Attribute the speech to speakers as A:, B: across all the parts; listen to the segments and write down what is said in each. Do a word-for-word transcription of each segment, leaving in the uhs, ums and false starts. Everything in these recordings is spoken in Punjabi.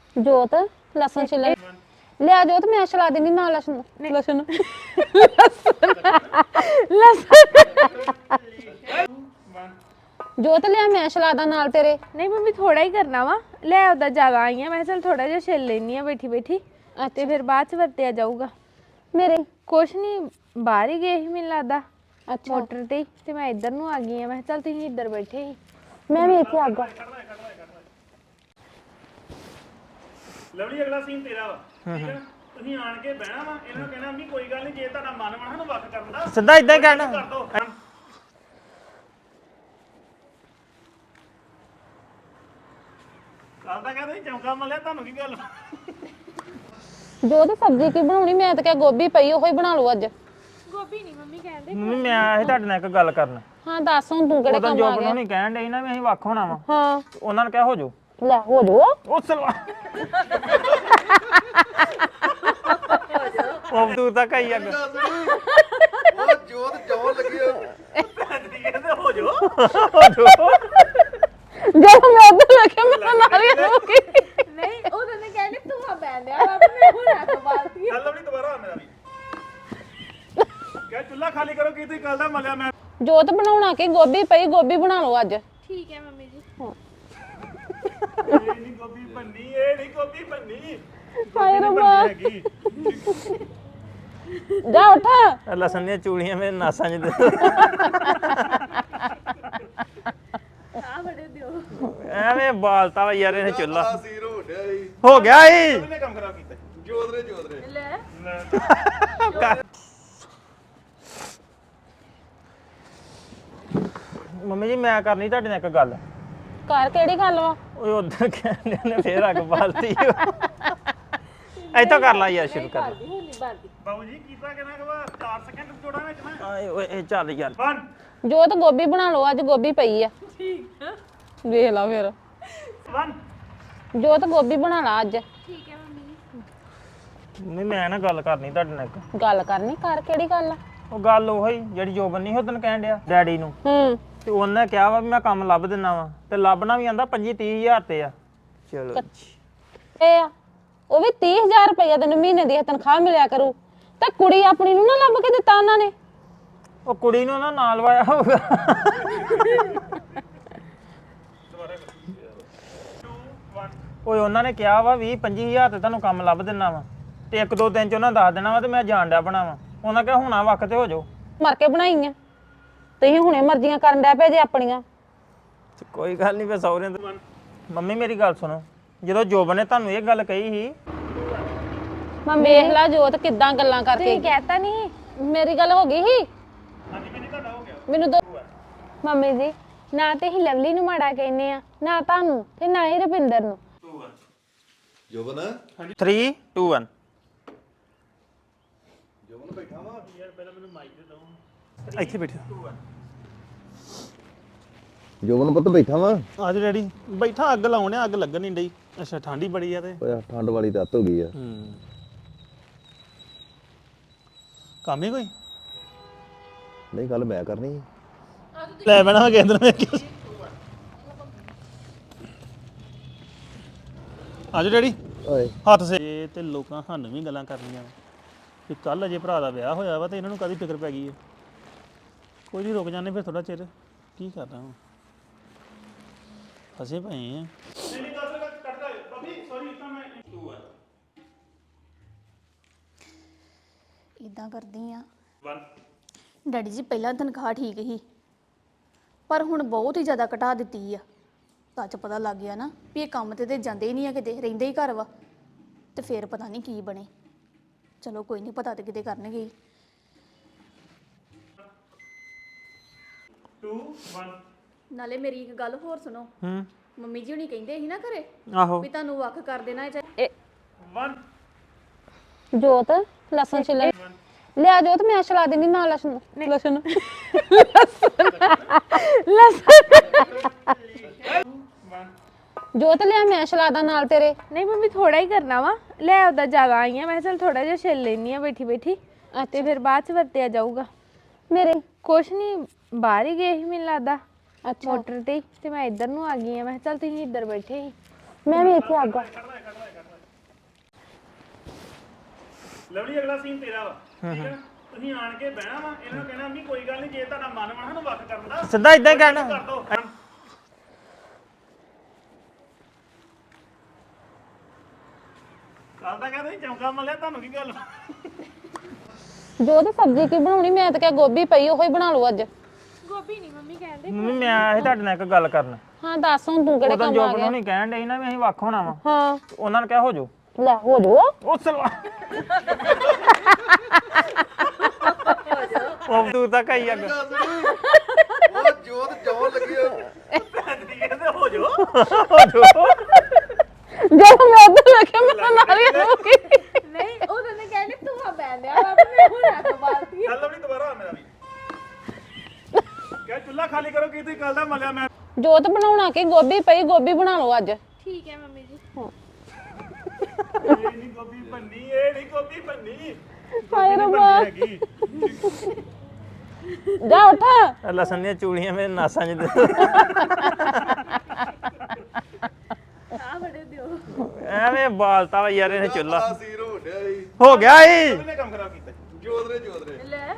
A: ਜੋਤ ਲਸਣ ਛਿੱਲ ਲਿਆ ਜੋਤ ਮੈਂ ਛਿਲਾ ਦੇਣੀ ਨਾਲ ਲਸਣ ਲਸਣ ਲਸਣ ਜੋਤ ਲਿਆ ਮੈਂ ਛਿਲਾਦਾ ਨਾਲ ਤੇਰੇ।
B: ਨਹੀਂ ਮੰਮੀ ਥੋੜਾ ਹੀ ਕਰਨਾ ਵਾ ਲੈ ਉਹਦਾ ਜ਼ਿਆਦਾ ਆਈ ਆ ਮੈਂ ਚਲ ਥੋੜਾ ਜਿਹਾ ਛਿੱਲ ਲੈਣੀ ਆ ਬੈਠੀ ਬੈਠੀ ਤੇ ਫਿਰ ਬਾਅਦ ਚ ਵਰਤਿਆ ਜਾਊਗਾ।
A: ਮੇਰੇ
B: ਕੁਛ ਨਹੀਂ ਬਾਹਰ ਹੀ ਗਏ ਸੀ ਮੈਨੂੰ ਲੱਗਦਾ
A: ਅੱਛਾ
B: ਮੋਟਰ ਤੇ ਤੇ ਮੈਂ ਇੱਧਰ ਨੂੰ ਆ ਗਈ ਆ ਮੈਂ ਚਲ ਤੁਸੀਂ ਇੱਧਰ ਬੈਠੇ ਸੀ।
A: ਮੈਂ ਵੀ ਇੱਥੇ ਆ ਗਿਆ।
C: ਲਵਲੀ ਅਗਲਾ ਸੀਨ ਤੇਰਾ ਵਾ ਠੀਕ ਹੈ ਤੁਸੀਂ ਆਣ ਕੇ ਬਹਿਣਾ ਵਾ ਇਹਨਾਂ ਨੂੰ ਕਹਿਣਾ ਨਹੀਂ ਕੋਈ ਗੱਲ ਨਹੀਂ ਜੇ ਤੁਹਾਡਾ ਮਨ ਵਣਾ ਨੂੰ ਵੱਖ ਕਰਨ ਦਾ
D: ਸਿੱਧਾ ਇਦਾਂ ਹੀ ਕਹਿਣਾ
C: ਕਰ ਦੋ ਕੱਲ ਤਾਂ ਕਹਿੰਦੇ ਚੌਂਕਾ ਮਲਿਆ ਤੁਹਾਨੂੰ ਕੀ ਗੱਲ
A: ਜੋਤ ਸਬਜ਼ੀ ਕੀ ਬਣਾਉਣੀ ਮੈਂ ਤਾਂ ਕਿਹਾ ਗੋਭੀ ਪਈ ਉਹੀ ਬਣਾ ਲਓ ਅੱਜ।
B: ਗੋਭੀ ਨਹੀਂ ਮੰਮੀ ਕਹਿੰਦੇ
D: ਮੰਮੀ ਮੈਂ ਆਇਆ ਸੀ ਤੁਹਾਡੇ ਨਾਲ ਇੱਕ ਗੱਲ ਕਰਨ।
A: ਹਾਂ ਦੱਸ ਹੁਣ ਤੂੰ ਕਿਹੜੇ
D: ਉਦੋਂ
A: ਕੰਮ
D: ਜੋ
A: ਆ ਗਿਆ।
D: ਬਣਾਉਣੀ ਕਹਿਣ ਡਈ ਨਾ ਵੀ ਅਸੀਂ ਵੱਖ ਹੋਣਾ ਵਾ
A: ਹਾਂ
D: ਉਹਨਾਂ ਨੇ ਕਿਹਾ ਹੋ ਜਾਓ
A: ਲੈ ਹੋ ਜੋ
D: ਉਹ ਸਲਵਾ ਉਹ ਦੂਰ ਤੱਕ ਆਈ ਅੱਗ
E: ਉਹ ਜੋਤ ਜੋਰ ਲੱਗੀ ਆ।
C: ਕਹਿੰਦੇ ਹੋ ਜੋ
D: ਹੋ ਜਾਓ
A: ਜਦੋਂ ਮੈਂ ਉਧਰ ਲੱਗੇ ਮੈਂ ਨਾਲ ਹੀ ਹੋ ਗਈ।
B: ਨਹੀਂ ਉਹਦੇ ਨੇ ਕਹਿੰਦੇ ਤੂੰ ਆ ਬੈਠਿਆ ਵਾ ਮੈਂ ਹੁਣ ਆ ਕੇ ਬਾਲਤੀ
C: ਚੱਲ ਲਵਲੀ ਦੁਬਾਰਾ ਆ ਮੇਰਾ ਵੀ ਕਿਆ ਚੁੱਲ੍ਹਾ ਖਾਲੀ ਕਰੋ ਕੀ ਤੁਸੀਂ ਕੱਲ ਦਾ ਮਲਿਆ ਮੈਂ
A: ਜੋਤ ਬਣਾਉਣਾ ਕਿ ਗੋਭੀ ਪਈ ਗੋਭੀ ਬਣਾ ਲਓ ਅੱਜ।
B: ਠੀਕ ਹੈ ਮੰਮੀ ਜੀ
C: ਇਹ ਨਹੀਂ ਗੋਭੀ ਬੰਨੀ ਇਹ ਨਹੀਂ ਗੋਭੀ ਬੰਨੀ
A: ਹਾਏ ਰੱਬਾ
C: ਹੈਗੀ
A: ਜਾ ਉੱਠ।
D: ਲਸਣ ਦੀਆਂ ਚੂੜੀਆਂ ਮੇਰੇ ਨਾਸਾਂ 'ਚ ਦੇ
B: ਆ ਬੜੇ ਦਿਓ
D: ਐਵੇਂ ਬਾਲਤਾ ਵਾ ਯਾਰ ਇਹਨੇ ਚੁੱਲਾ
E: ਬੜਾ ਸੀਰ ਹੋ ਡਿਆ ਸੀ।
D: ਹੋ ਗਿਆ ਈ
C: ਕਿਹਨੇ ਕੰਮ ਖਰਾਬ ਕੀਤਾ
E: ਜੋਤ ਰੇ ਜੋਤ ਰੇ
B: ਲੈ
D: ਮੰਮੀ ਜੀ ਮੈਂ ਕਰਨੀ ਤੁਹਾਡੇ ਨਾਲ ਇੱਕ ਗੱਲ।
A: ਘਰ ਕਿਹੜੀ ਗੱਲ ਵਾ।
D: ਓਏ ਉਧਰ ਕਹਿੰਦੇ ਨੇ ਫੇਰ ਅੱਗ ਬਾਲਤੀ ਇੱਥੋਂ ਕਰ ਲਾ ਯਾਰ ਸ਼ੁਰੂ ਕਰ ਲਾ।
B: ਹੋਲੀ ਬਾਲਦੀ
C: ਬਾਬੂ ਜੀ ਕੀਤਾ ਕਿਹਨਾਂ ਕਵਾ ਚਾਰ ਸਕਿੰਟ ਜੋੜਾਂ ਵਿੱਚ ਨਾ
D: ਆਏ ਓਏ ਇਹ ਚੱਲ ਯਾਰ
C: ਵਨ
A: ਜੋਤ ਗੋਭੀ ਬਣਾ ਲਓ ਅੱਜ ਗੋਭੀ ਪਈ ਆ। ਠੀਕ ਆ ਵੇਖ ਲਾ ਫਿਰ
C: ਵਨ
A: ਜੋਤ ਗੋਭੀ ਬਣਾ ਲਾ ਅੱਜ।
B: ਠੀਕ ਹੈ ਮੰਮੀ ਜੀ
D: ਮੰਮੀ ਮੈਂ ਨਾ ਗੱਲ ਕਰਨੀ ਤੁਹਾਡੇ ਨਾਲ ਇੱਕ।
A: ਗੱਲ ਕਰਨੀ ਘਰ ਕਿਹੜੀ ਗੱਲ ਆ।
D: ਉਹ ਗੱਲ ਉਹੀ ਜਿਹੜੀ ਜੋਬਨ ਨਹੀਂ ਉਦੋਂ ਕਹਿਣ ਡਿਆ ਡੈਡੀ ਨੂੰ
A: ਹੂੰ
D: ਤੇ ਉਹਨੇ ਕਿਹਾ ਵਾ ਵੀ ਮੈਂ ਕੰਮ ਲੱਭ ਦਿੰਨਾ ਵਾ ਤੇ ਲੱਭਣਾ ਵੀ ਆਂਦਾ ਪੱਚੀ ਤੀਹ ਹਜ਼ਾਰ ਤੇ ਆ। ਚਲੋ
A: ਇਹ ਆ ਉਹ ਵੀ ਤੀਹ ਹਜ਼ਾਰ ਰੁਪਇਆ ਤੈਨੂੰ ਮਹੀਨੇ ਦੀ ਤਨਖਾਹ ਮਿਲਿਆ ਕਰੂ ਤੇ ਕੁੜੀ ਆਪਣੀ ਨੂੰ ਨਾ ਲੱਭ ਕੇ ਦਿੱਤਾ ਉਹਨਾਂ ਨੇ।
D: ਉਹ ਕੁੜੀ ਨੂੰ ਨਾ ਨਾਲ ਵਾਇਆ ਹੋਊਗਾ ਓਏ ਉਹਨਾਂ ਨੇ ਕਿਹਾ ਵਾ ਵੀਹ ਪੰਜੀ ਹਜ਼ਾਰ ਤੇ ਤੁਹਾਨੂੰ ਕੰਮ ਲੱਭ ਦਿੰਨਾ ਵਾ ਤੇ ਇੱਕ ਦੋ ਦਿਨ ਚ ਉਹਨਾਂ ਦੱਸ ਦੇਣਾ ਵਾ ਤੇ ਮੈਂ ਜਾਣ ਡਿਆ ਬਣਾ ਵਾ। ਉਹਨਾਂ ਕਿਹਾ ਹੁਣਾ ਵਕਤ ਤੇ ਹੋ ਜਾਓ।
A: ਮਰ ਕੇ ਬਣਾਈਆਂ ਤੁਸੀਂ ਹੁਣੇ ਮਰਜ਼ੀਆਂ ਕਰਨ ਡੈ ਪਏ ਜੇ ਆਪਣੀਆਂ।
D: ਤੇ ਕੋਈ ਗੱਲ ਨਹੀਂ ਫੇ ਸਹੁਰੇ ਦੇ ਮੰਮੀ ਮੇਰੀ ਗੱਲ ਸੁਣੋ ਜਦੋਂ ਜੋਬਨ ਨੇ ਤੁਹਾਨੂੰ ਇਹ ਗੱਲ ਕਹੀ ਸੀ
A: ਮੈਂ ਵੇਖ ਲਾ ਜੋਤ ਕਿੱਦਾਂ ਗੱਲਾਂ ਕਰਕੇ
B: ਤੁਸੀਂ ਕਹਿਤਾ ਨਹੀਂ
A: ਮੇਰੀ ਗੱਲ ਹੋ ਗਈ ਸੀ।
C: ਹਾਂਜੀ ਕਿੰਨੀ ਤੁਹਾਡਾ ਹੋ ਗਿਆ
A: ਮੈਨੂੰ ਦੋ
B: ਮੰਮੀ ਜੀ ਨਾ ਤੇ ਹੀ ਲਵਲੀ ਨੂੰ ਮਾੜਾ ਕਹਿੰਦੇ ਆ ਨਾ ਤੁਹਾਨੂੰ ਤੇ ਨਾ ਹੀ ਰੁਪਿੰਦਰ ਨੂੰ।
E: Joban
D: three two one
E: Joban ਬੈਠਾ ਵਾ
C: ਯਾਰ ਪਹਿਲਾਂ ਮੈਨੂੰ ਮਾਈਕ ਦੇ ਦੋ
D: ਇੱਥੇ ਬੈਠੋ
E: ਜੋਬਨ ਪੁੱਤ ਬੈਠਾ ਵਾ
C: ਅੱਜ ਡੈਡੀ ਬੈਠਾ ਅੱਗ ਲਾਉਣੇ ਅੱਗ ਲੱਗਣ ਨਹੀਂ ਡਈ ਅੱਛਾ ਠੰਡੀ ਬੜੀ ਆ ਤੇ
E: ਓਏ ਠੰਡ ਵਾਲੀ ਰਾਤ ਹੋ ਗਈ ਆ
C: ਹੂੰ ਕੰਮ ਹੀ ਕੋਈ
E: ਨਹੀਂ ਗੱਲ ਮੈਂ ਕਰਨੀ ਸੀ।
C: ਲੈ ਬਣਾ ਕੇ ਅੰਦਰ ਮੇਰੇ ਆਜੋ ਡੈਡੀ
E: ਓਏ
C: ਹੱਥ ਸੇ ਤੇ ਲੋਕਾਂ ਸਾਨੂੰ ਵੀ ਗੱਲਾਂ ਕਰਨੀਆਂ ਕਿ ਕੱਲ ਅਜੇ ਭਰਾ ਦਾ ਵਿਆਹ ਹੋਇਆ ਵਾ ਤੇ ਇਹਨਾਂ ਨੂੰ ਕਾਹਦੀ ਫਿਕਰ ਪੈ ਗਈ ਹੈ ਕੋਈ ਨਹੀਂ ਰੁਕ ਜਾਂਦੇ ਫਿਰ ਥੋੜਾ ਚਿਰ ਕੀ ਕਰਨਾ ਹੁਣ ਫਸੇ ਪਏ ਆ ਨਹੀਂ ਨਹੀਂ ਦੱਸ ਕੱਟ ਦੇ ਬੱਬੀ ਸੌਰੀ ਤਾਂ ਮੈਂ ਟੂ ਆ
F: ਇਦਾਂ ਕਰਦੀ ਆ
C: ਵਨ
F: ਡੈਡੀ ਜੀ ਪਹਿਲਾਂ ਤਨਖਾਹ ਠੀਕ ਸੀ ਪਰ ਹੁਣ ਬਹੁਤ ਹੀ ਜ਼ਿਆਦਾ ਘਟਾ ਦਿੱਤੀ ਆ ਤਾਂ ਚ ਪਤਾ ਲੱਗ ਗਿਆ ਨਾ ਵੀ ਇਹ ਕੰਮ ਤੇ ਤੇ ਜਾਂਦੇ ਹੀ ਨਹੀਂ ਆ ਕਿਤੇ ਰਹਿੰਦੇ ਹੀ ਘਰ ਵਾ ਤੇ ਫੇਰ ਪਤਾ ਨਹੀਂ ਕੀ ਬਣੇ ਚਲੋ ਕੋਈ ਨਹੀਂ ਪਤਾ ਤੇ ਕਿਤੇ ਕਰਨਗੇ ਹੀ।
C: ਟੂ ਵਨ
F: ਨਾਲੇ ਮੇਰੀ ਇੱਕ ਗੱਲ ਹੋਰ ਸੁਣੋ
D: ਹੂੰ
F: ਮੰਮੀ ਜੀ ਹੁਣੀ ਕਹਿੰਦੇ ਸੀ ਨਾ ਘਰੇ
D: ਆਹੋ
F: ਵੀ ਤੁਹਾਨੂੰ ਵੱਖ ਕਰ ਦੇਣਾ
A: ਇਹ
C: ਵਨ
A: ਜੋਤ ਲਸਣ ਛਿੱਲ ਲਿਆ ਜੋਤ ਮੈਂ ਛਿਲਾ ਦੇਣੀ ਨਾਲ ਲਸਣ ਲਸਣ ਜੋਤ ਲਿਆ ਮੈਂ ਛਿਲਾਦਾ ਨਾਲ ਤੇਰੇ।
B: ਨਹੀਂ ਮੰਮੀ ਥੋੜਾ ਹੀ ਕਰਨਾ ਵਾ ਲੈ ਉਹਦਾ ਜ਼ਿਆਦਾ ਆਈ ਆ ਮੈਂ ਚਲ ਥੋੜਾ ਜਿਹਾ ਛਿੱਲ ਲੈਣੀ ਆ ਬੈਠੀ ਬੈਠੀ ਤੇ ਫਿਰ ਬਾਅਦ ਚ ਵਰਤਿਆ ਜਾਊਗਾ।
A: ਮੇਰੇ
B: ਕੁਛ ਨਹੀਂ ਬਾਹਰ ਹੀ ਗਏ ਸੀ ਮੈਨੂੰ ਲੱਗਦਾ
A: ਅੱਛਾ
B: ਮੋਟਰ ਤੇ ਤੇ ਮੈਂ ਇੱਧਰ ਨੂੰ ਆ ਗਈ ਆ ਮੈਂ ਚਲ ਤੁਸੀਂ ਇੱਧਰ ਬੈਠੇ ਸੀ।
A: ਮੈਂ ਵੀ ਇੱਥੇ ਆ ਗਿਆ।
C: ਲਵਲੀ ਅਗਲਾ ਸੀਨ ਤੇਰਾ ਵਾ ਠੀਕ ਹੈ ਨਾ? ਤੁਸੀਂ ਆਣ ਕੇ ਬਹਿਣਾ ਵਾ ਇਹਨਾਂ ਨੂੰ ਕਹਿਣਾ ਵੀ ਕੋਈ ਗੱਲ ਨਹੀਂ ਜੇ ਤੁਹਾਡਾ ਮਨ ਵਾ ਸਾਨੂੰ ਵੱਖ ਕਰਨ ਦਾ
D: ਸਿੱਧਾ ਇਦਾਂ ਹੀ ਕਹਿਣਾ
C: ਕਰ ਦੋ ਕੱਲ ਤਾਂ ਕਹਿੰਦੇ ਸੀ ਚੌਂਕਾ ਮੱਲਿਆ ਤੁਹਾਨੂੰ ਕੀ ਗੱਲ
A: ਜੋ ਤੇ ਸਬਜ਼ੀ ਕੀ ਬਣਾਉਣੀ ਮੈਂ ਤਾਂ ਕਿਹਾ ਗੋਭੀ ਪਈ ਉਹੀ ਬਣਾ ਲਓ ਅੱਜ
B: ਗੋਭੀ ਨਹੀਂ ਮੰਮੀ ਕਹਿੰਦੇ
D: ਮੰਮੀ ਮੈਂ ਆਇਆ ਸੀ ਤੁਹਾਡੇ ਨਾਲ ਇੱਕ ਗੱਲ ਕਰਨ
A: ਹਾਂ ਦੱਸ ਹੁਣ ਤੂੰ ਕਿਹੜੇ
D: ਉਦੋਂ
A: ਕੰਮ
D: ਜੋ
A: ਆ ਗਿਆ
D: ਬਣਾਉਣੀ ਕਹਿਣ ਡਈ ਨਾ ਵੀ ਅਸੀਂ ਵੱਖ ਹੋਣਾ ਵਾ
A: ਹਾਂ
D: ਉਹਨਾਂ ਨੇ ਕਿਹਾ ਹੋ ਜਾਓ
A: ਲੈ ਹੋ ਜੋ
D: ਉਹ ਸਲਵਾ ਉਹ ਦੂਰ ਤੱਕ ਆਈ ਅੱਗ
E: ਉਹ ਜੋਤ ਜੋਰ ਲੱਗੀ
C: ਕਹਿੰਦੇ ਹੋ ਜੋ
D: ਹੋ ਜਾਓ
A: ਜਦੋਂ ਮੈਂ ਉੱਧਰ ਵੇਖਿਆ ਮੈਂ ਨਾਲ ਹੀ ਹੋ ਗਈ
B: ਨਹੀਂ ਉਹਨਾਂ ਨੇ ਕਹਿੰਦੇ ਤੂੰ ਆ ਬੈੰਦਿਆ ਵਾ ਮੈਂ ਹੁਣ ਆ ਬਾਲਤੀ
C: ਚੱਲ ਲਵਲੀ ਦੁਬਾਰਾ ਆ ਮੇਰਾ ਵੀ ਕਿਆ ਚੁੱਲ੍ਹਾ ਖਾਲੀ ਕਰੋ ਕੀ ਤੁਸੀਂ ਕੱਲ ਦਾ ਮੱਲਿਆ ਮੈਂ
A: ਜੋਤ ਬਣਾਉਣਾ ਕਿ ਗੋਭੀ ਪਈ ਗੋਭੀ ਬਣਾ ਲਓ ਅੱਜ
B: ਠੀਕ ਹੈ ਮੰਮੀ ਜੀ
C: ਇਹ ਨਹੀਂ ਗੋਭੀ ਭੰਨੀ ਇਹ ਨਹੀਂ ਗੋਭੀ ਭੰਨੀ
A: ਹਾਏ ਰੱਬਾ
C: ਹੈਗੀ
A: ਜਾ ਉੱਠ
D: ਲਸਣ ਦੀਆਂ ਚੂੜੀਆਂ ਮੇਰੇ ਨਾਸਾਂ 'ਚ ਦੇ
B: ਆ ਬੜੇ ਦਿਓ
D: ਐਵੇਂ ਬਾਲਤਾ ਵਾ ਯਾਰ ਇਹਨੇ ਚੁੱਲਾ
E: ਸੀਰ ਹੋ ਗਿਆ ਸੀ
D: ਹੋ ਗਿਆ ਈ
C: ਕਿਹਨੇ ਕੰਮ ਖਰਾਬ ਕੀਤਾ
E: ਜੋਤ ਰੇ ਜੋਤ ਰੇ
B: ਲੈ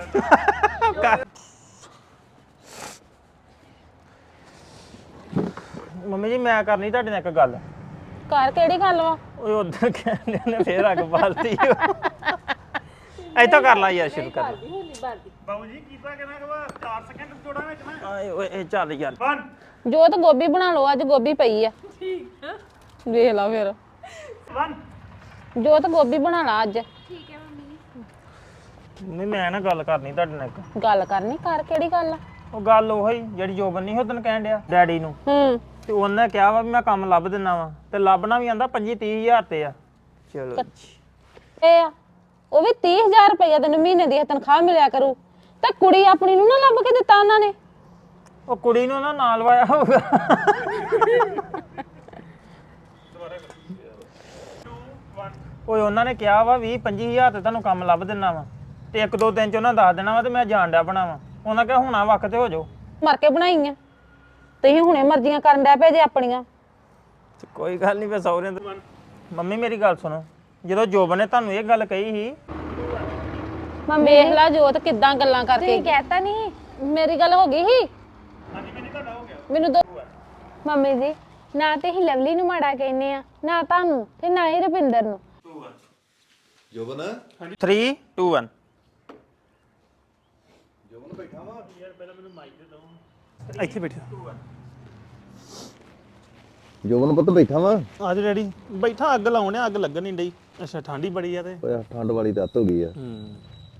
D: ਮੰਮੀ ਜੀ ਮੈਂ ਕਰਨੀ ਤੁਹਾਡੇ ਨਾਲ ਇੱਕ ਗੱਲ
A: ਘਰ ਕਿਹੜੀ ਗੱਲ ਵਾ
D: ਓਏ ਉਧਰ ਕਹਿੰਦੇ ਨੇ ਫੇਰ ਅੱਗ ਬਾਲਤੀ ਇੱਥੋਂ ਕਰ ਲਾ ਯਾਰ ਸ਼ੁਰੂ ਕਰ
B: ਹੁੰਦੀ ਬਾਲਦੀ
C: ਬਾਬੂ ਜੀ ਕੀਤਾ ਕਿਹਨਾਂ ਕਵਾ ਚਾਰ ਸਕਿੰਟ ਜੋੜਾਂ ਵਿੱਚ ਨਾ
D: ਆਏ ਓਏ ਇਹ ਚੱਲ ਯਾਰ
C: ਵਨ
A: ਜੋਤ ਗੋਭੀ ਬਣਾ ਲਓ ਅੱਜ ਗੋਭੀ ਪਈ ਆ ਠੀਕ ਵੇਖ ਲਾ ਫਿਰ
C: ਵਨ
A: ਜੋਤ ਗੋਭੀ ਬਣਾ ਲਾ ਅੱਜ
B: ਠੀਕ ਹੈ ਮੰਮੀ ਜੀ
D: ਨਹੀਂ ਮੈਂ ਨਾ ਗੱਲ ਕਰਨੀ ਤੁਹਾਡੇ ਨਾਲ ਇੱਕ
A: ਗੱਲ ਕਰਨੀ ਘਰ ਕਿਹੜੀ ਗੱਲ ਆ
D: ਉਹ ਗੱਲ ਉਹੀ ਜਿਹੜੀ ਜੋਬਨ ਨਹੀਂ ਉਹ ਤੈਨੂੰ ਕਹਿਣ ਡਿਆ ਡੈਡੀ ਨੂੰ
A: ਹੂੰ
D: ਤੇ ਉਹਨੇ ਕਿਹਾ ਵਾ ਵੀ ਮੈਂ ਕੰਮ ਲੱਭ ਦਿੰਨਾ ਵਾ ਤੇ ਲੱਭਣਾ ਵੀ ਆਂਦਾ ਪੰਜੀ ਤੀਹ ਹਜ਼ਾਰ ਤੇ ਆ ਚਲੋ
A: ਇਹ ਆ ਉਹ ਵੀ ਤੀਹ ਹਜ਼ਾਰ ਰੁਪਇਆ ਤੈਨੂੰ ਮਹੀਨੇ ਦੀ ਤਨਖਾਹ ਮਿਲਿਆ ਕਰੂ ਤੇ ਕੁੜੀ ਆਪਣੀ ਨੂੰ ਨਾ ਲੱਭ ਕੇ ਦਿੱਤਾ ਉਹਨਾਂ ਨੇ
D: ਉਹ ਕੁੜੀ ਨੂੰ ਨਾ ਨਾਲ ਵਾਇਆ ਹੋਊਗਾ ਓਏ ਉਹਨਾਂ ਨੇ ਕਿਹਾ ਵਾ ਵੀਹ ਪੰਜੀ ਹਜ਼ਾਰ ਤੇ ਤੁਹਾਨੂੰ ਕੰਮ ਲੱਭ ਦਿੰਨਾ ਵਾ ਤੇ ਇੱਕ ਦੋ ਦਿਨ ਚ ਉਹਨਾਂ ਦੱਸ ਦੇਣਾ ਵਾ ਤੇ ਮੈਂ ਜਾਣ ਡਿਆ ਬਣਾਵਾ ਉਹਨਾਂ ਕਿਹਾ ਹੁਣਾ ਵਕਤ ਤੇ ਹੋ ਜਾਓ
A: ਮਰ ਕੇ ਬਣਾਈਆਂ ਤੁਸੀਂ ਹੁਣੇ ਮਰਜ਼ੀਆਂ ਕਰਨ ਡੈ ਪਏ ਜੇ ਆਪਣੀਆਂ
D: ਤੇ ਕੋਈ ਗੱਲ ਨਹੀਂ ਫੇ ਸਹੁਰੇ ਦੇ ਮੰਮੀ ਮੇਰੀ ਗੱਲ ਸੁਣੋ ਜਦੋਂ ਜੋਬਨ ਨੇ ਤੁਹਾਨੂੰ ਇਹ ਗੱਲ ਕਹੀ ਸੀ
A: ਮੈਂ ਵੇਖ ਲਾ ਜੋਤ ਕਿੱਦਾਂ ਗੱਲਾਂ ਕਰਕੇ
B: ਤੁਸੀਂ ਕਹਿਤਾ ਨਹੀਂ
A: ਮੇਰੀ ਗੱਲ ਹੋ ਗਈ ਸੀ
C: ਹਾਂਜੀ ਮੈਨੂੰ ਤੁਹਾਡਾ ਹੋ ਗਿਆ
A: ਮੈਨੂੰ ਦੋ
B: ਮੰਮੀ ਜੀ ਨਾ ਤੇ ਹੀ ਲਵਲੀ ਨੂੰ ਮਾੜਾ ਕਹਿੰਦੇ ਆ ਨਾ ਤੁਹਾਨੂੰ ਤੇ ਨਾ ਹੀ ਰੁਪਿੰਦਰ ਨੂੰ
E: Joban
D: three two one
E: Joban ਬੈਠਾ ਵਾ
C: ਯਾਰ ਪਹਿਲਾਂ ਮੈਨੂੰ ਮਾਈਕ ਦੇ ਦਿਓ
D: ਇੱਥੇ ਬੈਠੋ
E: ਜੋਬਨ ਪੁੱਤ ਬੈਠਾ ਵਾ
C: ਅੱਜ ਡੈਡੀ ਬੈਠਾ ਅੱਗ ਲਾਉਣੇ ਅੱਗ ਲੱਗਣ ਨਹੀਂ ਡਈ ਅੱਛਾ ਠੰਡੀ ਬੜੀ ਆ ਤੇ
E: ਓਏ ਠੰਡ ਵਾਲੀ ਰਾਤ ਹੋ ਗਈ ਆ
C: ਹੂੰ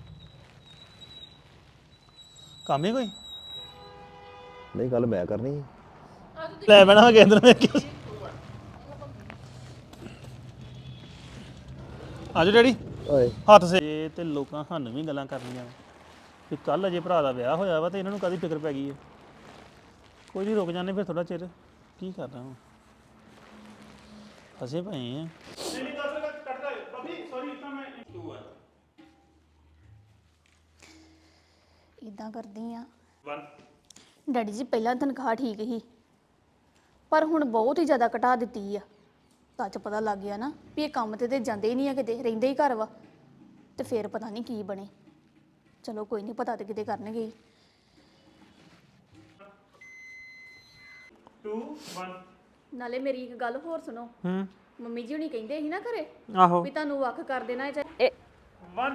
C: ਕੰਮ ਹੀ ਕੋਈ
E: ਨਹੀਂ ਗੱਲ ਮੈਂ ਕਰਨੀ ਸੀ।
C: ਲੈ ਬਣਾ ਕੇਂਦਰ ਵਿੱਚ ਅੱਜ ਡੈਡੀ
E: ਓਏ
C: ਹੱਥ ਸੇ ਤੇ ਲੋਕਾਂ ਸਾਨੂੰ ਵੀ ਗੱਲਾਂ ਕਰਨੀਆਂ ਕਿ ਕੱਲ ਅਜੇ ਭਰਾ ਦਾ ਵਿਆਹ ਹੋਇਆ ਵਾ ਤੇ ਇਹਨਾਂ ਨੂੰ ਕਾਦੀ ਫਿਕਰ ਪੈ ਗਈ ਹੈ ਕੋਈ ਨਹੀਂ ਰੁਕ ਜਾਂਦੇ ਫਿਰ ਥੋੜਾ ਚਿਰ ਕੀ ਕਰਨਾ ਹੁਣ ਫਸੇ ਪਏ ਆ ਨਹੀਂ ਨਹੀਂ ਦੱਸ ਕੱਟਦਾ ਬਾਬੀ ਸੌਰੀ ਇਤਾਂ ਮੈਂ ਟੂ ਆ
F: ਇਦਾਂ ਕਰਦੀ ਆ
C: ਵਨ
F: ਡੈਡੀ ਜੀ ਪਹਿਲਾਂ ਤਨਖਾਹ ਠੀਕ ਸੀ ਪਰ ਹੁਣ ਬਹੁਤ ਹੀ ਜ਼ਿਆਦਾ ਘਟਾ ਦਿੱਤੀ ਆ ਤਾਂ ਚ ਪਤਾ ਲੱਗ ਗਿਆ ਨਾ ਵੀ ਇਹ ਕੰਮ ਤੇ ਤੇ ਜਾਂਦੇ ਹੀ ਨਹੀਂ ਆ ਕਿਤੇ ਰਹਿੰਦੇ ਹੀ ਘਰ ਵਾ ਤੇ ਫੇਰ ਪਤਾ ਨਹੀਂ ਕੀ ਬਣੇ ਚਲੋ ਕੋਈ ਨਹੀਂ ਪਤਾ ਤੇ ਕਿਤੇ ਕਰਨਗੇ ਹੀ।
C: ਟੂ ਵਨ
F: ਨਾਲੇ ਮੇਰੀ ਇੱਕ ਗੱਲ ਹੋਰ ਸੁਣੋ
D: ਹੂੰ
F: ਮੰਮੀ ਜੀ ਹੁਣੀ ਕਹਿੰਦੇ ਸੀ ਨਾ ਘਰੇ
D: ਆਹੋ
F: ਵੀ ਤੁਹਾਨੂੰ ਵੱਖ ਕਰ ਦੇਣਾ ਚਾਹੀਦਾ
A: ਇਹ
C: ਵਨ